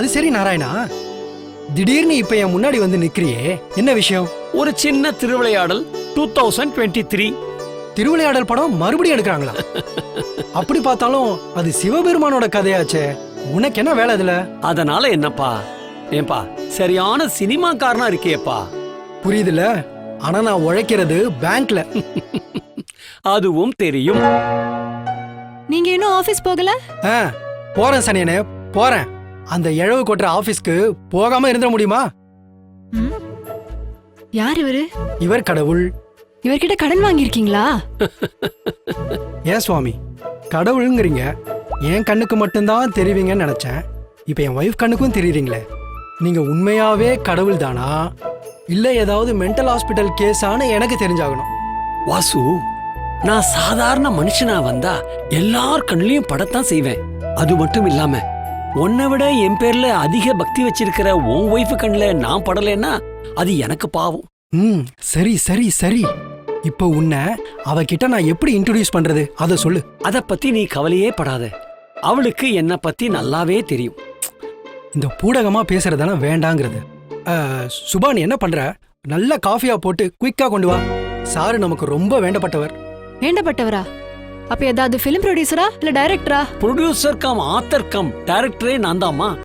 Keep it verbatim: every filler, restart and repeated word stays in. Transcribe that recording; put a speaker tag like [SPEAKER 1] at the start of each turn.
[SPEAKER 1] அது சரி நாராயணா, திடீர்னு இப்ப என் முன்னாடி வந்து நிக்கிறியே, என்ன விஷயம்?
[SPEAKER 2] ஒரு சின்ன Thiruvilaiyadal two thousand twenty three.
[SPEAKER 1] Thiruvilaiyadal படம் மறுபடியும் எடுக்கிறாங்களா? அப்படி பார்த்தாலும் அது சிவபெருமானோட கதையாச்சே, உனக்கு என்ன வேலை இதுல?
[SPEAKER 2] அதனால என்னப்பா? ஏன்பா சரியான சினிமாக்காரனா இருக்கியேப்பா.
[SPEAKER 1] புரியுதுல, ஆனா நான் உழைக்கிறது பேங்க்ல.
[SPEAKER 2] அதுவும் தெரியும்.
[SPEAKER 3] நீங்க இன்னும் ஆபீஸ் போகல?
[SPEAKER 1] ஆ, போறேன் சனியனே போறேன். அந்த இழவு கொட்டுற ஆபீஸ்க்கு போகாம இருந்த முடியுமா?
[SPEAKER 3] ம்? யார் இவரு?
[SPEAKER 1] இவர் கடவுள்.
[SPEAKER 3] இவர்கிட்ட கடன் வாங்கியிருக்கீங்களா?
[SPEAKER 1] ஏன் சுவாமி கடவுளுங்கிறீங்க? என் கண்ணுக்கு மட்டும்தான் தெரிவிங்கன்னு நினைச்சேன். இப்ப என் ஒய்ஃப் கண்ணுக்கும் தெரியுறீங்களே. நீங்க உண்மையாவே கடவுள் தானா இல்ல ஏதாவது மென்டல் ஹாஸ்பிட்டல் கேஸானு எனக்கு தெரிஞ்சாகணும்.
[SPEAKER 2] வாசு, நான் சாதாரண மனுஷனா வந்தா எல்லார் கண்ணிலையும் படத்தான் செய்வேன். அது மட்டும் இல்லாம உன்னை விட என் பேர்ல அதிக பக்தி வச்சிருக்கிற உன் ஒய்ஃபு கண்ணுல நான் படலைன்னா அது எனக்கு பாவம்.
[SPEAKER 1] ம், சரி சரி சரி. இப்ப உன்னை அவகிட்ட நான் எப்படி இன்ட்ரோடியூஸ் பண்றது அத சொல்லு.
[SPEAKER 2] அத பத்தி நீ கவலையே படாத. அவளுக்கு என்ன பத்தி நல்லாவே தெரியும்.
[SPEAKER 1] இந்த பூடகமா பேசுறதெல்லாம் வேண்டாங்கிறது. சுபா, நீ என்ன பண்ற? நல்ல காஃபியா போட்டு குயிக்கா கொண்டு வா. சாரு நமக்கு ரொம்ப வேண்டப்பட்டவர்.
[SPEAKER 3] வேண்டப்பட்டவரா? அப்ப ஏதாவது பிலிம் ப்ரொடியூசரா இல்ல டைரக்டரா?
[SPEAKER 2] ப்ரொடியூசர் கம் ஆத்தர் கம் டைரக்டரே நான் தாம்மா.